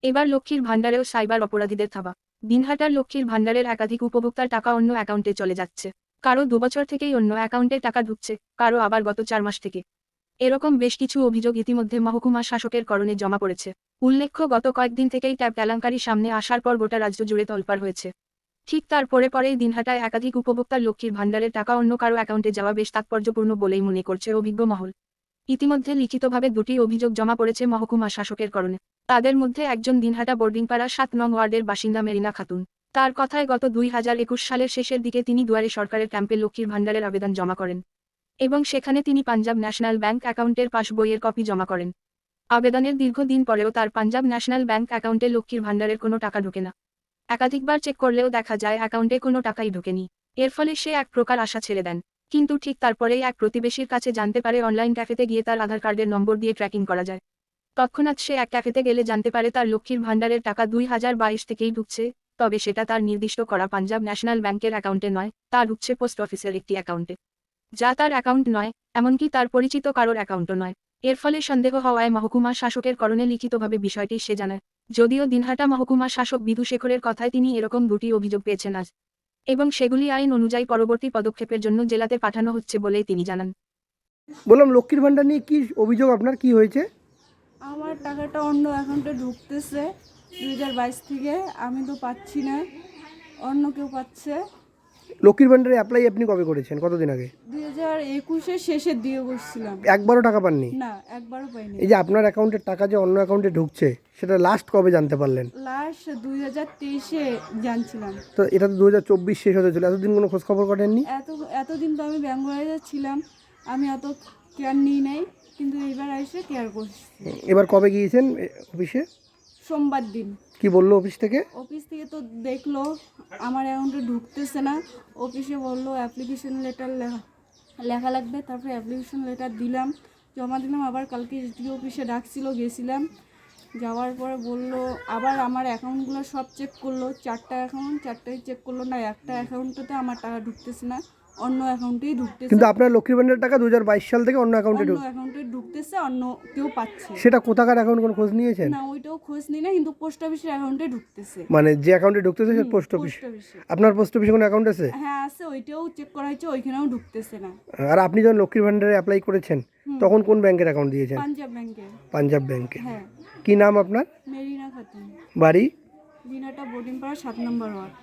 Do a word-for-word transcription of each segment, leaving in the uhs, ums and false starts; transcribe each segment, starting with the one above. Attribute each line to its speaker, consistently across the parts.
Speaker 1: এবার লক্ষ্মীর ভাণ্ডারেও সাইবার অপরাধীদের থাবা। দিনহাটার লক্ষ্মীর ভাণ্ডারের একাধিক উপভোক্তার টাকা অন্য অ্যাকাউন্টে চলে যাচ্ছে। কারো দুবছর থেকেই অন্য অ্যাকাউন্টে টাকা ঢুকছে, কারো আবার গত চার মাস থেকে। এরকম বেশ কিছু অভিযোগ ইতিমধ্যে মহকুমা শাসকের করণে জমা পড়েছে। উল্লেখ্য, গত কয়েকদিন থেকেই ট্যাব কেলেঙ্কারি সামনে আসার পর গোটা রাজ্য জুড়ে তোলপাড় হয়েছে। ঠিক তার পরে পরেই দিনহাটায় একাধিক উপভোক্তার লক্ষ্মীর ভাণ্ডারের টাকা অন্য কারো অ্যাকাউন্টে যাওয়া বেশ তাৎপর্যপূর্ণ বলেই মনে করছে অভিজ্ঞ মহল। ইতিমধ্যে লিখিতভাবে দুটি অভিযোগ জমা পড়েছে মহকুমা শাসকের করণে। তাদের মধ্যে একজন দিনহাটা বোর্ডিংপাড়া সাত নং ওয়ার্ডের বাসিন্দা মেরিনা খাতুন। তার কথায় গত দুই হাজার একুশ সালের শেষের দিকে তিনি দুয়ারে সরকারের ক্যাম্পে লক্ষ্মীর ভাণ্ডারের আবেদন জমা করেন এবং সেখানে তিনি পাঞ্জাব ন্যাশনাল ব্যাংক অ্যাকাউন্টের পাসবইয়ের কপি জমা করেন। আবেদনের দীর্ঘদিন পরেও তার পাঞ্জাব ন্যাশনাল ব্যাংক অ্যাকাউন্টে লক্ষ্মীর ভাণ্ডারের কোনো টাকা ঢোকে না। একাধিকবার চেক করলেও দেখা যায় অ্যাকাউন্টে কোনো টাকাই ঢোকেনি। এর ফলে সে এক প্রকার আশা ছেড়ে দেন। কিন্তু ঠিক তারপরেই এক প্রতিবেশীর কাছে জানতে পারে অনলাইন ক্যাফেতে গিয়ে তার আধার কার্ডের নম্বর দিয়ে ট্র্যাকিং করা যায়। তৎক্ষণাৎ সে এক ক্যাফেতে গেলে জানতে পারে তার লক্ষ্মীর ভাণ্ডারের টাকা দুই হাজার বাইশ থেকেই ঢুকছে, তবে সেটা তার নির্দিষ্ট করা পাঞ্জাব ন্যাশনাল ব্যাংকের অ্যাকাউন্টে নয়, তা ঢুকছে পোস্ট অফিসের একটি অ্যাকাউন্টে, যা তার অ্যাকাউন্ট নয়, এমনকি তার পরিচিত কারোর অ্যাকাউন্টও নয়। এর ফলে সন্দেহ হওয়ায় মহকুমা শাসকের করণে লিখিতভাবে বিষয়টি সে জানায়। যদিও দিনহাটা মহকুমা শাসক বিধু শেখরের কথায় তিনি এরকম দুটি অভিযোগ পেয়েছেন আজ, এবং সেগুলি আইন অনুযায়ী পরবর্তী পদক্ষেপের জন্য জেলাতে পাঠানো হচ্ছে বলেই তিনি জানান।
Speaker 2: বললাম, লক্ষ্মীর ভাণ্ডার নিয়ে কি অভিযোগ আপনার, কি হয়েছে?
Speaker 3: আমার টাকাটা অন্য অ্যাকাউন্টে ঢুকতেছে দুই হাজার বাইশ থেকে, আমি তো পাচ্ছি না, অন্য কেউ পাচ্ছে।
Speaker 2: লক্ষ্মীর ভাণ্ডারে অ্যাপ্লাই আপনি কবে করেছেন, কতদিন আগে?
Speaker 3: দুই হাজার একুশের শেষের দিকে করছিলাম।
Speaker 2: একবারও টাকা পাননি?
Speaker 3: না, একবারও পাইনি।
Speaker 2: এই যে আপনার অ্যাকাউন্টের টাকা যে অন্য অ্যাকাউন্টে ঢুকছে, সেটা লাস্ট কবে জানতে পারলেন?
Speaker 3: লাস্ট দুই হাজার তেইশে জানছিলাম।
Speaker 2: তো এটা তো দু হাজার চব্বিশ শেষ হতে চলে, এতদিন কোনো খোঁজ খবর করেননি?
Speaker 3: এত এতদিন তো আমি বেঙ্গলে ছিলাম, আমি অত কেয়ার নিই নাই, কিন্তু এইবার এসে কেয়ার করছি।
Speaker 2: এবার কবে গিয়েছেন অফিসে?
Speaker 3: সোমবার দিন।
Speaker 2: কি বললো অফিস থেকে?
Speaker 3: অফিস থেকে তো দেখলো আমার অ্যাকাউন্টে ঢুকতেছে না। অফিসে বললো অ্যাপ্লিকেশন লেটার লেখা লেখা লাগবে, তারপরে অ্যাপ্লিকেশন লেটার দিলাম, জমা দিলাম। আবার কালকে এসডি অফিসে ডাকছিল, গেছিলাম। যাওয়ার পরে বললো আবার আমার অ্যাকাউন্টগুলো সব চেক করলো, চারটা অ্যাকাউন্ট চারটাই চেক করলো, না একটা অ্যাকাউন্টে আমার টাকা ঢুকতেছে না, অন্য অ্যাকাউন্টেই ঢুকতেছে।
Speaker 2: কিন্তু আপনার লক্ষ্মীর ভাণ্ডারের টাকা দু হাজার বাইশ সাল থেকে অন্য অ্যাকাউন্টে
Speaker 3: অন্য
Speaker 2: ঢুক
Speaker 3: অ্যাকাউন্টে ঢুকতেছে, অন্য কেউ পাচ্ছে।
Speaker 2: সেটা কোথাকার অ্যাকাউন্ট, কোনো খোঁজ নিয়েছেন?
Speaker 3: না, ওইটাও খোঁজ নিই না, কিন্তু পোস্ট অফিসের অ্যাকাউন্টে ঢুকতেছে।
Speaker 2: মানে যে অ্যাকাউন্টে ঢুকতেছে সে পোস্ট অফিস?
Speaker 3: পোস্ট অফিসে।
Speaker 2: আপনার পোস্ট অফিসে কোনো অ্যাকাউন্ট আছে?
Speaker 3: হ্যাঁ আছে, ওইটাও চেক করা হয়েছে, ওইখানেও ঢুকতেছে না।
Speaker 2: আর আপনি যখন লক্ষ্মীর ভাণ্ডারে অ্যাপ্লাই করেছেন তখন কোন ব্যাংকের অ্যাকাউন্ট দিয়েছেন?
Speaker 3: পাঞ্জাব ব্যাংকে।
Speaker 2: পাঞ্জাব ব্যাংকে।
Speaker 3: হ্যাঁ।
Speaker 2: কি নাম আপনার?
Speaker 3: মেরিনা খাতুন,
Speaker 2: বাড়ি?
Speaker 3: দিনাটা বোর্ডিংপাড়া সাত নম্বর ওয়ার্ড।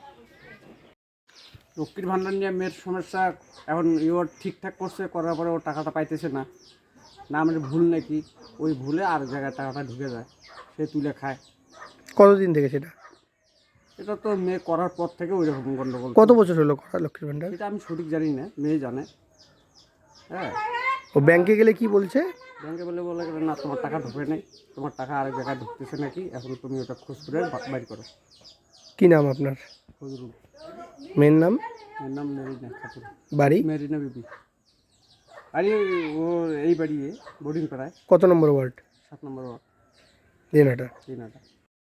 Speaker 4: লক্ষ্মীর ভাণ্ডার নিয়ে মেয়ের সমস্যা এখন ইওর ঠিকঠাক করছে, করার পরে ওর টাকাটা পাইতেছে না, না আমাদের ভুল নাকি, ওই ভুলে আর জায়গায় টাকাটা ঢুকে যায়, সে তুলে খায়।
Speaker 2: কতদিন থেকে সেটা?
Speaker 4: এটা তো মেয়ে করার পর থেকে ওই রকম গণ্ডগোল।
Speaker 2: কত বছর হলো করা লক্ষ্মীর ভাণ্ডার?
Speaker 4: এটা আমি সঠিক জানি না, মেয়ে জানে। হ্যাঁ,
Speaker 2: ও ব্যাংকে গেলে কি বলছে?
Speaker 4: ব্যাংকে বলে বলে না তোমার টাকা ঢুকে নেই, তোমার টাকা আরেক জায়গায় ঢুকতেছে নাকি, এখন তুমি ওটা খোঁজ করে বাইর করো।
Speaker 2: কি নাম আপনার?
Speaker 4: ফজরুল।
Speaker 2: মেয়ের নাম?
Speaker 4: মেয়ের নাম মেরিনা খাতুন।
Speaker 2: বাড়ি?
Speaker 4: মেরিনা বিবি। আরে ও এই বাড়ি বোর্ডিং পাড়ায়
Speaker 2: কত নম্বর ওয়ার্ড?
Speaker 4: সাত নম্বর ওয়ার্ড,
Speaker 2: দিনাটা।
Speaker 4: দিনাটা।